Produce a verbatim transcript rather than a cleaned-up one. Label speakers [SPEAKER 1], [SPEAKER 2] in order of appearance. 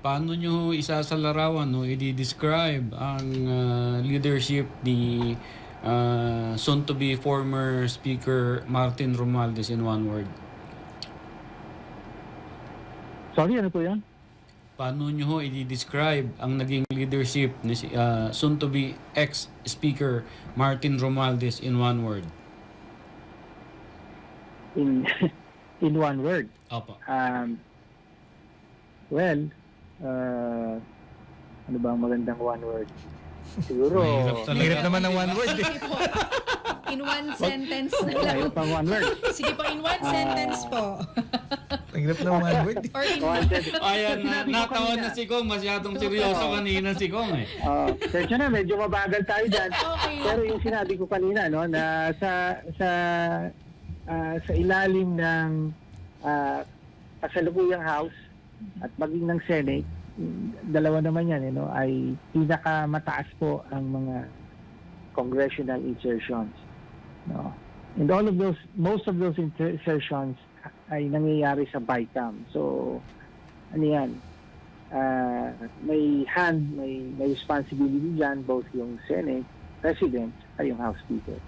[SPEAKER 1] Paano nyo isasalarawan o i-describe ang uh, leadership ni uh, soon-to-be former Speaker Martin Romualdez in one word?
[SPEAKER 2] Sorry, ano po yan?
[SPEAKER 1] Paano nyo i-describe ang naging leadership ni uh, soon-to-be ex-Speaker Martin Romualdez in one word?
[SPEAKER 2] In, in one word?
[SPEAKER 1] Opo.
[SPEAKER 2] Um, well, uh, ano ba ang magandang one word? Siguro...
[SPEAKER 1] Mahirap talaga.
[SPEAKER 3] Mahirap naman ng one word eh.
[SPEAKER 4] In one sentence na lang.
[SPEAKER 2] Ayaw pang one word.
[SPEAKER 4] Sige po, in one sentence po.
[SPEAKER 3] Mahirap ng one word eh.
[SPEAKER 4] Or in
[SPEAKER 2] One sentence.
[SPEAKER 1] Ayan, na,
[SPEAKER 2] Sinabi ko
[SPEAKER 1] natawa
[SPEAKER 2] kanina.
[SPEAKER 1] na si Kong. Masyadong seryoso kanina si Kong eh.
[SPEAKER 2] Uh, Sensya na, medyo mabagal tayo dyan.
[SPEAKER 4] Okay.
[SPEAKER 2] Pero yung sinabi ko kanina, no, na sa sa ah, sa ilalim ng uh, kasalukuyang House at maging ng Senate, dalawa naman yan, you know, ay pinakamataas po ang mga congressional insertions. No? And all of those, most of those insertions ay nangyayari sa BICAM. So, ano yan, uh, may hand, may, may responsibility dyan, both yung Senate, President, at yung House Speaker.